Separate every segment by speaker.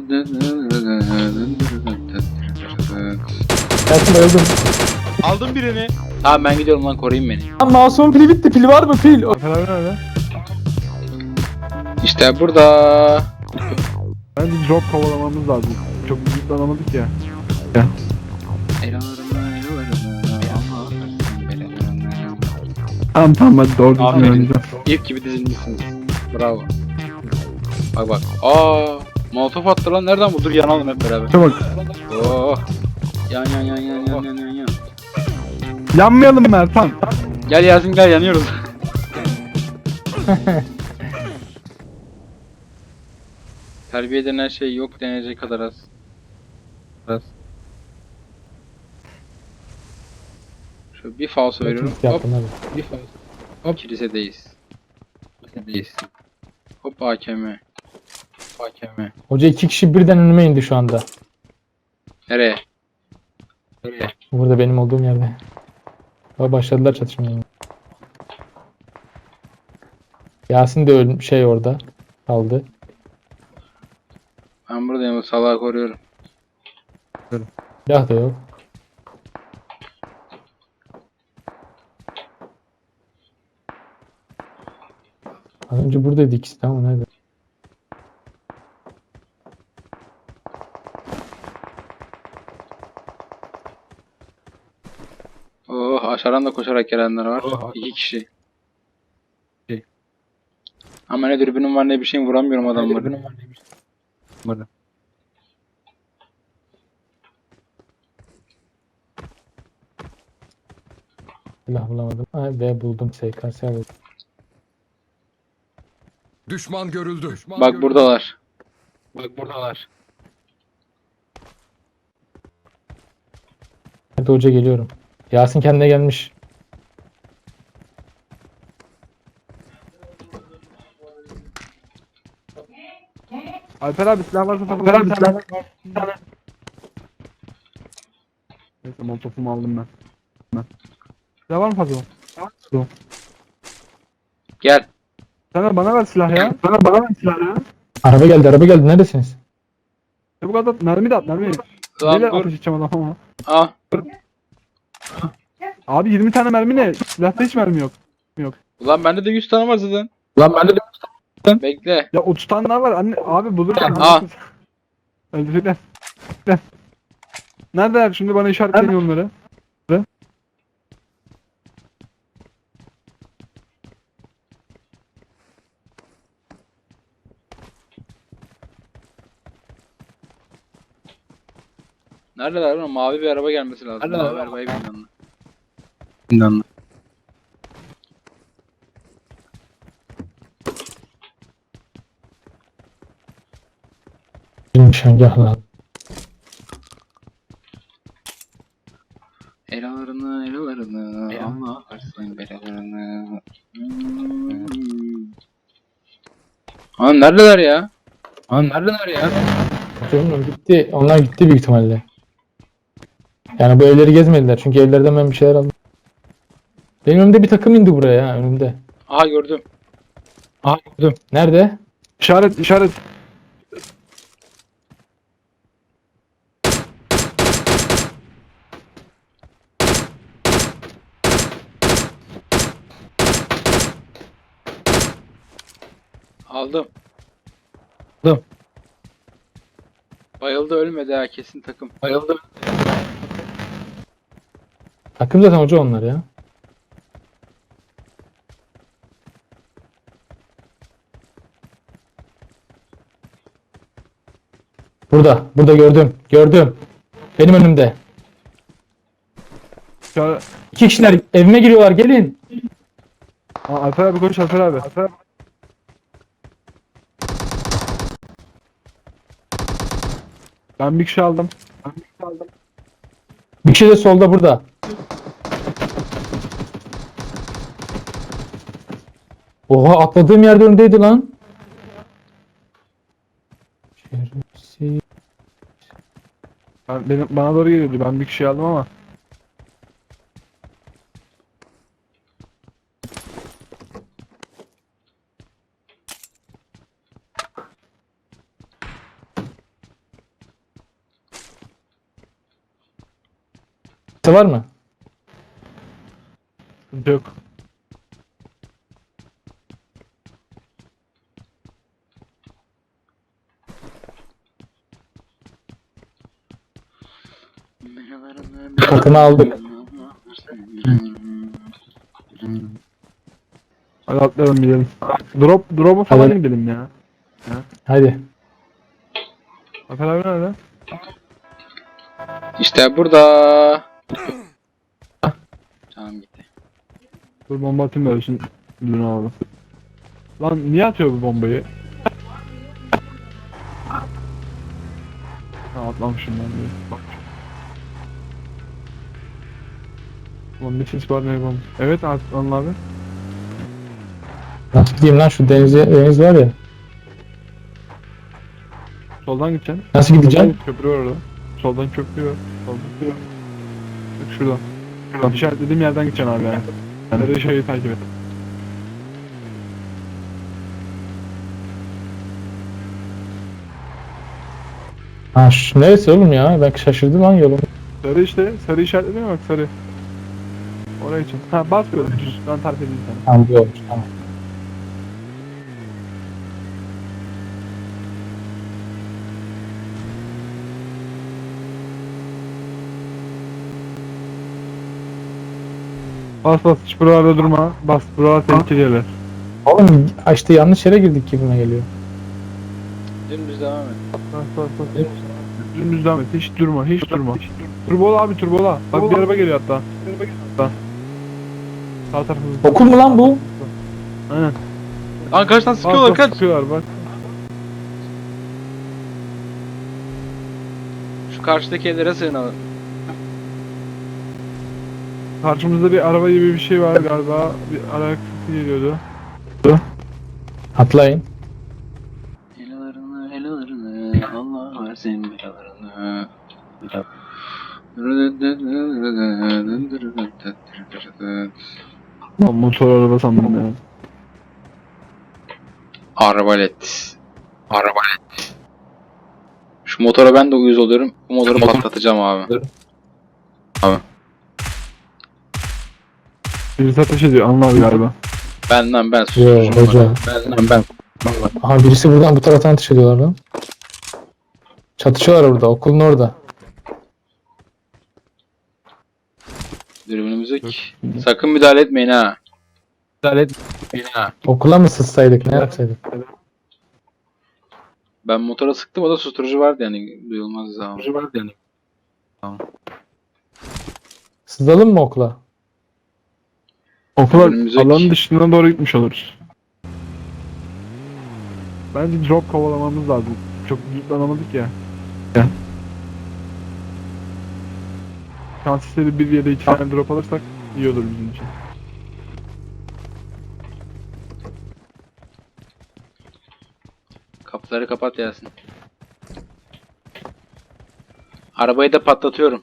Speaker 1: Yasin bayıldım.
Speaker 2: Aldım birini.
Speaker 3: Tamam ben gidiyorum lan, koruyun beni.
Speaker 1: Lan mouse'un pili bitti. Pil var mı pil?
Speaker 4: Alper nerede?
Speaker 3: İşte burada.
Speaker 4: Bence drop kovalamamız lazım. Çok yüklanamadık ya. Tamam hadi doğru düzgün
Speaker 3: Aferin.
Speaker 4: oynayacağım.
Speaker 3: İlk gibi dizilmişsiniz. Bravo. Bak bak. Aa, molotof attı lan. Nereden bu? Dur yanalım hep beraber.
Speaker 4: Çabuk.
Speaker 3: Oh. Yan yan yan yan yan yan yan yan.
Speaker 4: Yanmayalım Mertan.
Speaker 3: Gel Yasin gel, yanıyoruz. Terbiye denen şey yok denecek kadar az. Az. Şöyle bir falso veriyorum. Hop.
Speaker 1: Yaptım hadi.
Speaker 3: Bir falso. Hop. Kilisedeyiz. Kilisedeyiz. Hop AKM. AKM.
Speaker 1: Hoca 2 kişi birden önüme indi şu anda.
Speaker 3: Nereye? Nereye?
Speaker 1: Burada benim olduğum yerde. Başladılar çatışmaya. Yasin de orada kaldı.
Speaker 3: Ben buradayım, o salağı koruyorum.
Speaker 1: Silah da yok. Az önce buradaydı ikisi de ama nerede?
Speaker 3: Oh, aşağıdan da koşarak gelenler var. İki kişi. Ama ne dürbünüm var ne bir şeyim, vuramıyorum adamları.
Speaker 1: Silah bulamadım. Ha, ve buldum SKS buldum.
Speaker 5: Düşman görüldü. Düşman
Speaker 3: Bak
Speaker 5: görüldü.
Speaker 3: buradalar. Bak buradalar.
Speaker 1: Hadi hoca geliyorum. Yasin kendine gelmiş.
Speaker 4: Alper abi silah varsa Alper abi silah var. Neyse molotofumu aldım ben. Silah var mı fazla?
Speaker 3: Gel.
Speaker 4: Sen de bana ver silah ya. Bana ver silah ya.
Speaker 1: Araba geldi. Neredesiniz?
Speaker 4: Çabuk at mermi de at mermi.
Speaker 3: Tamam
Speaker 4: Neyle
Speaker 3: dur.
Speaker 4: ateş edeceğim adama?
Speaker 3: Ah.
Speaker 4: Abi 20 tane mermi ne? Silahta hiç mermi yok.
Speaker 3: Ulan bende de 100 tane var zaten. Bekle.
Speaker 4: Ya 30 tane daha var anne. Abi bulurken.
Speaker 3: Aa.
Speaker 4: Öldürecekler. Neredeler? Şimdi bana işaretleyin onları.
Speaker 3: Neredeler lan? Mavi bir araba gelmesi lazım. Mavi arabayı bilmiyorum. Bilmiyorum.
Speaker 1: Nişangahla.
Speaker 3: Elalarını ama varsın belalarını. Neredeler ya? Neredeler ya?
Speaker 1: Hocam gitti. Onlar gitti büyük ihtimalle. Yani bu evleri gezmediler. Çünkü evlerden ben bir şeyler aldım. Benim önümde bir takım indi buraya ya önümde.
Speaker 3: Aha gördüm.
Speaker 1: Nerede?
Speaker 4: İşaret.
Speaker 3: Aldım. Bayıldı, ölmedi ha, kesin takım. Bayıldı.
Speaker 1: Takım zaten hoca onlar ya. Burada gördüm. Benim önümde.
Speaker 4: İşaret.
Speaker 1: 2 kişiler evime giriyorlar, gelin.
Speaker 4: Alper abi koş Alper abi. Ben bir kişi aldım.
Speaker 1: Bir kişi de solda burada. Oha, atladığım yerde öndeydi lan. Şerefsiz.
Speaker 4: Bana doğru geliyordu. Ben bir kişi aldım ama.
Speaker 1: var mı?
Speaker 4: Sıkıntı yok.
Speaker 1: Takımı aldık.
Speaker 4: Hadi atlayalım gidelim. Drop'a falan
Speaker 1: Hadi.
Speaker 4: gidelim ya.
Speaker 1: Hadi.
Speaker 4: Afer abi nerede?
Speaker 3: İşte burada. Canım gitti.
Speaker 4: Dur bomba atayım da ölsün. Dur abi. Lan niye atıyor bu bombayı? Ha atlamışım ben diye. Bak. Ulan bir ses var ne bomba. Evet Atlan abi.
Speaker 1: Nasıl gideyim lan şu deniz var ya.
Speaker 4: Soldan gideceksin.
Speaker 1: Nasıl gideceğim?
Speaker 4: Soldan köprü var orada. Soldan köprü var. Soldan köprü var. Bak şuradan. Şuradan işaretlediğim yerden gideceksin abi yani. Yani de şeyi takip et.
Speaker 1: Ha neresi oğlum ya? Ben şaşırdım lan yolum.
Speaker 4: Sarı işte. Sarı işaretledin mi bak sarı. Oraya için. Ha bas böyle düz. Ben tarif edeyim sana.
Speaker 1: Tamam bu olmuş tamam.
Speaker 4: Bas bas hiç buralarda durma. Bas buralar tehlikeli yerler.
Speaker 1: Oğlum işte yanlış yere girdik gibime geliyor.
Speaker 3: Dümdüz devam et.
Speaker 4: Bas bas bas. Dümdüz devam et. Hiç durma. Hiç durma. Turbola abi turbola. Bak bir araba geliyor hatta. Sağ tarafımızda.
Speaker 1: Okul mu lan bu?
Speaker 4: Aynen.
Speaker 3: Lan kaçtan
Speaker 4: Bak
Speaker 3: sıkıyorlar
Speaker 4: bak
Speaker 3: kaç.
Speaker 4: sıkıyorlar bak.
Speaker 3: Şu karşıdaki evlere sığınalım.
Speaker 4: Karşımızda bir araba gibi bir şey var galiba. Bir ayak sesi geliyordu.
Speaker 1: Atlayın.
Speaker 3: Helalarını Allah versin belalarını.
Speaker 4: Lan motor araba sandım ya.
Speaker 3: Arbalet. Arbalet. Şu motora ben de uyuz oluyorum. Bu motoru patlatacağım abi.
Speaker 4: Birisi ateş ediyor Anıl abi galiba.
Speaker 3: Ben
Speaker 1: Yo
Speaker 3: susuyorum.
Speaker 1: hoca.
Speaker 3: Ben.
Speaker 1: Aha birisi buradan bu taraftan ateş ediyorlar lan. Çatışıyorlar orada okulun orada.
Speaker 3: Dürbünümüz yok. Sakın müdahale etmeyin ha.
Speaker 1: Okula mı sızsaydık ne yapsaydık?
Speaker 3: Ben motora sıktım, o da susturucu vardı yani, duyulmaz ama.
Speaker 1: Sızalım mı okula?
Speaker 4: Okula
Speaker 3: Önümüzdeki-
Speaker 4: alanın dışına doğru gitmiş oluruz. Bence drop kovalamamız lazım. Çok yüklanamadık ya. Şans eseri bir ya da iki tane drop alırsak iyi olur bizim için.
Speaker 3: Kapıları kapat Yasin. Arabayı da patlatıyorum.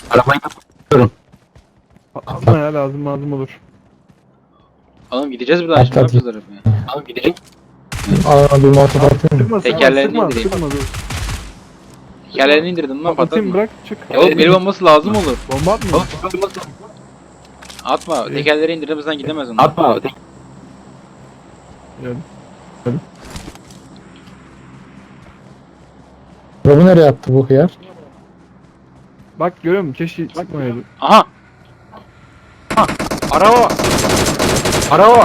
Speaker 4: Atma ya lazım olur.
Speaker 3: Oğlum gideceğiz buradan şimdi, ne
Speaker 1: Patlat.
Speaker 3: yapacağız arabayı?
Speaker 1: Aa bir motor atayım mı?
Speaker 4: Sıkma
Speaker 3: Tekerlerini indireyim.
Speaker 4: sıkma dur.
Speaker 3: Tekerlerini indirdim lan,
Speaker 4: Atayım
Speaker 3: patlatma.
Speaker 4: bırak çık.
Speaker 3: Oğlum el bombası lazım olur.
Speaker 4: Bomba atma.
Speaker 3: Atma,
Speaker 4: İyi.
Speaker 3: tekerleri indirdim, bizden gidemez onlar. Atma.
Speaker 4: Yani.
Speaker 1: Robu nereye attı bu hıyar?
Speaker 4: Bak görüyor musun? Keşke çıkmayaydı.
Speaker 3: Aha! Aha! Araba! Araba!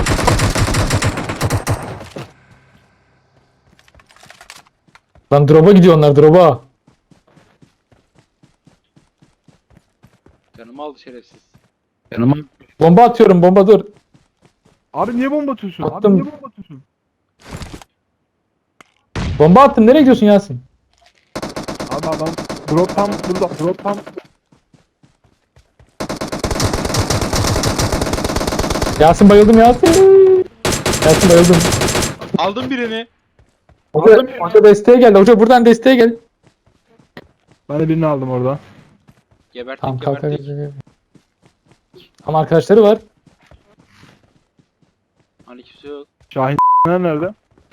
Speaker 1: Lan drop'a gidiyor onlar drop'a.
Speaker 3: Canımı aldı şerefsiz.
Speaker 1: Bomba atıyorum bomba dur.
Speaker 4: Abi niye bomba atıyorsun?
Speaker 1: Attım.
Speaker 4: Abi niye bomba atıyorsun?
Speaker 1: Bomba attım nereye gidiyorsun Yasin?
Speaker 4: Abi adam drop tam burada. Drop tam.
Speaker 1: Yasin bayıldım Yasin. Yasin bayıldım.
Speaker 2: Aldım birini.
Speaker 1: Hoca desteğe geldi. Hoca buradan desteğe gel.
Speaker 4: Ben de birini aldım orada.
Speaker 3: Geberttik,
Speaker 1: Tamam kalk
Speaker 3: geberttik.
Speaker 1: Ama arkadaşları var.
Speaker 3: Hani kimse yok.
Speaker 4: Şahin nerede?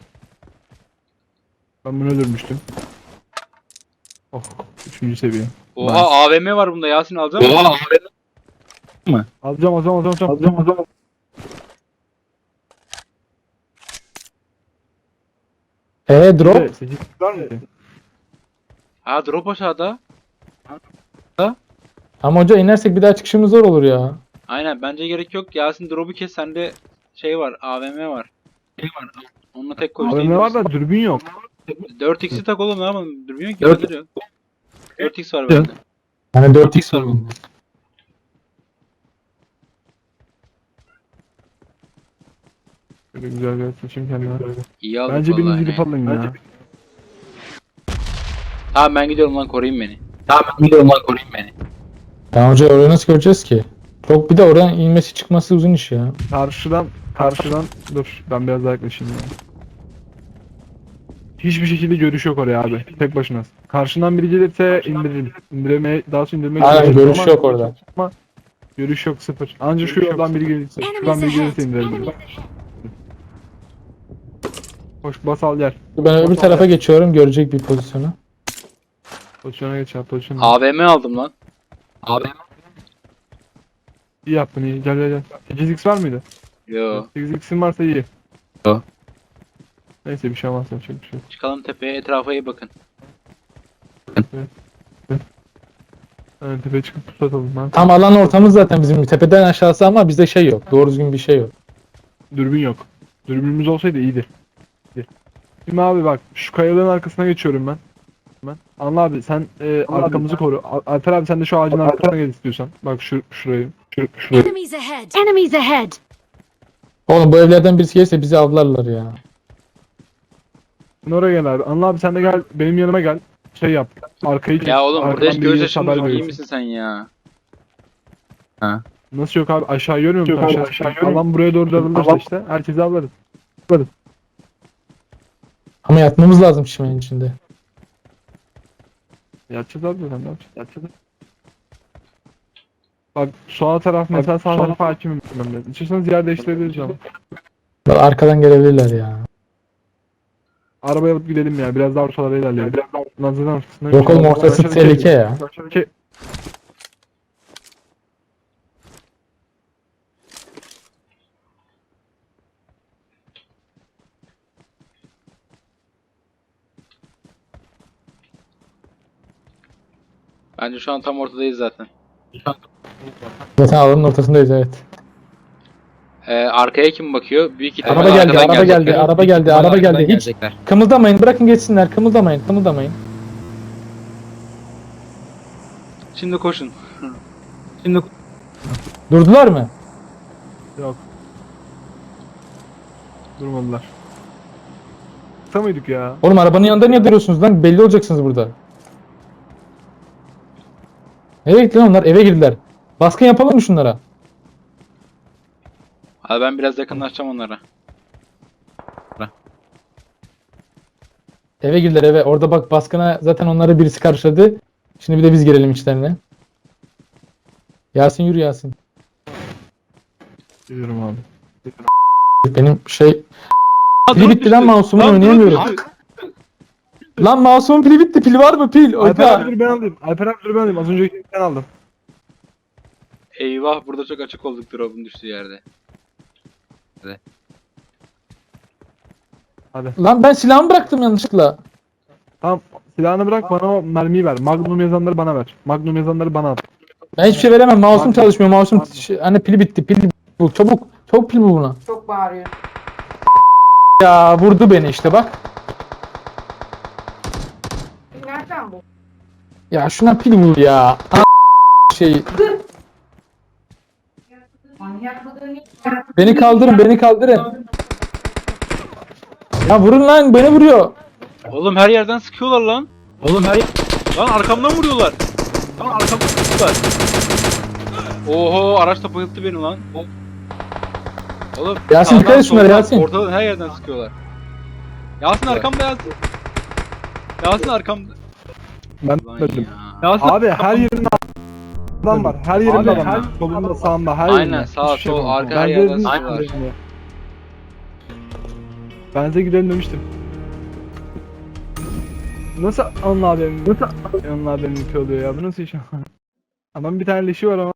Speaker 4: Ben bunu öldürmüştüm. Oh, 3. seviye.
Speaker 3: Oha, AVM var bunda, Yasin alacak mısın?
Speaker 4: Alacağım.
Speaker 1: Drop.
Speaker 4: 8 var mı?
Speaker 3: Ha drop aşağıda.
Speaker 1: Ama hoca inersek bir daha çıkışımız zor olur ya.
Speaker 3: Aynen bence gerek yok. Yasin drop'u kes, sende şey var, AVM var. Onunla tek koş.
Speaker 4: AVM var da dürbün yok.
Speaker 3: 4x'i tak oğlum, ne yapalım? Durmuyor ki. Bende de yok. 4x var bende.
Speaker 1: Hani 4x var bende.
Speaker 4: Böyle güzel bir seçim kendine.
Speaker 3: İyi aldık
Speaker 4: Bence biriniz
Speaker 3: vallahi.
Speaker 4: gidip alın ya.
Speaker 3: Tamam ben gidiyorum lan, koruyun beni.
Speaker 1: Ya hoca orayı nasıl göreceğiz ki? Çok bir de oradan inmesi çıkması uzun iş ya.
Speaker 4: Karşıdan dur ben biraz daha yaklaşayım ya. Hiçbir şekilde görüş yok oraya abi. Tek başına. Karşından biri gelirse indiririm. İndirmeye, daha sonra indirmeye
Speaker 1: Aynen
Speaker 4: çalışırım
Speaker 1: görüş
Speaker 4: ama
Speaker 1: yok orada.
Speaker 4: görüş yok, sıfır. Ancak şu yoldan biri gelirse. Şuradan biri gelirse indirebilirim. Hoş bas al gel.
Speaker 1: Ben öbür tarafa geçiyorum görecek bir pozisyonu.
Speaker 4: Pozisyona geç abi, pozisyona.
Speaker 3: AVM aldım lan.
Speaker 4: İyi yaptın, iyi. Gel. 8x var mıydı?
Speaker 3: Yo.
Speaker 4: 8x'in varsa iyi.
Speaker 3: Yo.
Speaker 4: Neyse bir şey olmaz, yapacak bir şey yok.
Speaker 3: Çıkalım tepeye, etrafa iyi bakın.
Speaker 4: Yani tepeye çıkıp pusat atalım ben.
Speaker 1: Tam alan ortamız zaten bizim tepeden aşağısı ama bizde şey yok. Doğru düzgün bir şey yok.
Speaker 4: Dürbün yok. Dürbünümüz olsaydı iyiydi. Şimdi abi bak şu kayaların arkasına geçiyorum ben. Anla abi sen arkamızı koru. Alper abi sen de şu ağacın arkasına gel istiyorsan. Bak şurayı. Şurayı.
Speaker 6: Enemies ahead! Enemies ahead!
Speaker 1: Oğlum bu evlerden birisi gelirse bizi avlarlar ya.
Speaker 4: Sen oraya gel abi. Anla abi sen de gel benim yanıma gel. Şey yap. Arkayı kes.
Speaker 3: Ya oğlum burada
Speaker 4: Arkadan
Speaker 3: hiç
Speaker 4: biri
Speaker 3: göz
Speaker 4: gelirse
Speaker 3: yaşımız
Speaker 4: haber
Speaker 3: yok, iyi
Speaker 4: verirsin.
Speaker 3: misin sen ya?
Speaker 4: Nasıl yok abi? Aşağı görmüyor musun? Yok abi, Aşağı,
Speaker 3: şey
Speaker 4: aşağı görmüyor. Alan buraya doğru darılırsa işte. Herkesi avlarız.
Speaker 1: Ama yatmamız lazım çimenin içinde.
Speaker 4: Yatacağız abi zaten. Ne yapacağız? Bak sağ taraf mesela sağ tarafa hakimim. İstiyorsanız yer değiştirebiliriz ama.
Speaker 1: Bak arkadan gelebilirler ya.
Speaker 4: Arabaya alıp gidelim ya. Biraz daha ortalara ilerleyelim. Lan zaten ortasına
Speaker 1: Yok oğlum ortası tehlike ya.
Speaker 3: Bence şu an tam ortadayız zaten.
Speaker 1: Zaten alanın ortasındayız evet.
Speaker 3: Arkaya kim bakıyor? Büyük ihtimal
Speaker 1: Araba geldi,
Speaker 3: arkadan
Speaker 1: araba
Speaker 3: gelecekler.
Speaker 1: geldi, araba geldi, araba geldi. Hiç kımıldamayın, bırakın geçsinler. Kımıldamayın.
Speaker 3: Şimdi koşun.
Speaker 1: Durdular mı?
Speaker 4: Yok. Durmadılar. Kısa mıydık ya?
Speaker 1: Oğlum arabanın yanında niye duruyorsunuz lan? Belli olacaksınız burada. Nereye gitti lan onlar? Eve girdiler. Baskın yapalım mı şunlara?
Speaker 3: Abi ben biraz yakınlaşacağım onlara.
Speaker 1: Eve girdiler eve. Orada bak baskına zaten onları birisi karşıladı. Şimdi bir de biz girelim içlerine. Yasin yürü Yasin.
Speaker 4: Yürüyorum abi.
Speaker 1: Benim şey... Pili bitti lan mouse'umun oynayamıyorum. Lan mouse'umun pili bitti. Pil var mı pil?
Speaker 4: Alper
Speaker 1: Oka.
Speaker 4: abi dur ben alayım. Alper abi dur ben alayım. Az önceki ben aldım.
Speaker 3: Eyvah, burada çok açık olduk drop'un düştüğü yerde.
Speaker 4: Hadi.
Speaker 1: Lan ben silahımı bıraktım yanlışlıkla.
Speaker 4: Tamam. Silahını bırak bana o mermiyi ver. Magnum yazanları bana ver. Magnum yazanları bana at.
Speaker 1: Ben hiçbir şey veremem. Mouse'um çalışmıyor. Mouse'um hani pili bitti. Pil bul. Çabuk pil bul buna.
Speaker 7: Çok bağırıyor.
Speaker 1: Ya vurdu beni işte bak.
Speaker 7: Nereden bu?
Speaker 1: Ya şuna pil bul ya. Şey
Speaker 7: Manyak mıdır?
Speaker 1: beni kaldırın. Ya vurun lan beni vuruyor.
Speaker 3: Oğlum her yerden sıkıyorlar lan. Lan arkamdan vuruyorlar. Lan arkamdan vuruyorlar. Oho, araç da bayılttı beni lan. Oğlum
Speaker 1: Yasin,
Speaker 3: sağdan,
Speaker 1: dikkat et şunlara,
Speaker 3: soldan,
Speaker 1: Yasin.
Speaker 3: Ortadan her yerden sıkıyorlar. Yasin arkamda Yasin. Yasin arkamda.
Speaker 4: Ben
Speaker 3: Lan
Speaker 4: dedim.
Speaker 3: ya.
Speaker 4: Abi her yerinde adam var. Her yerinde adam var. Solunda sağında her yerinde.
Speaker 3: Aynen, sağ,
Speaker 4: Hiçbir şey
Speaker 3: sol,
Speaker 4: yapamam.
Speaker 3: arka,
Speaker 4: Ben
Speaker 3: her
Speaker 4: de
Speaker 3: yerden
Speaker 4: dedim,
Speaker 3: sıkıyorlar.
Speaker 4: dedim ya. Ben size gidelim demiştim. Nasıl Anıl abim? Anıl abim oluyor ya? Bu nasıl iş? Adam bir tane leşi var ama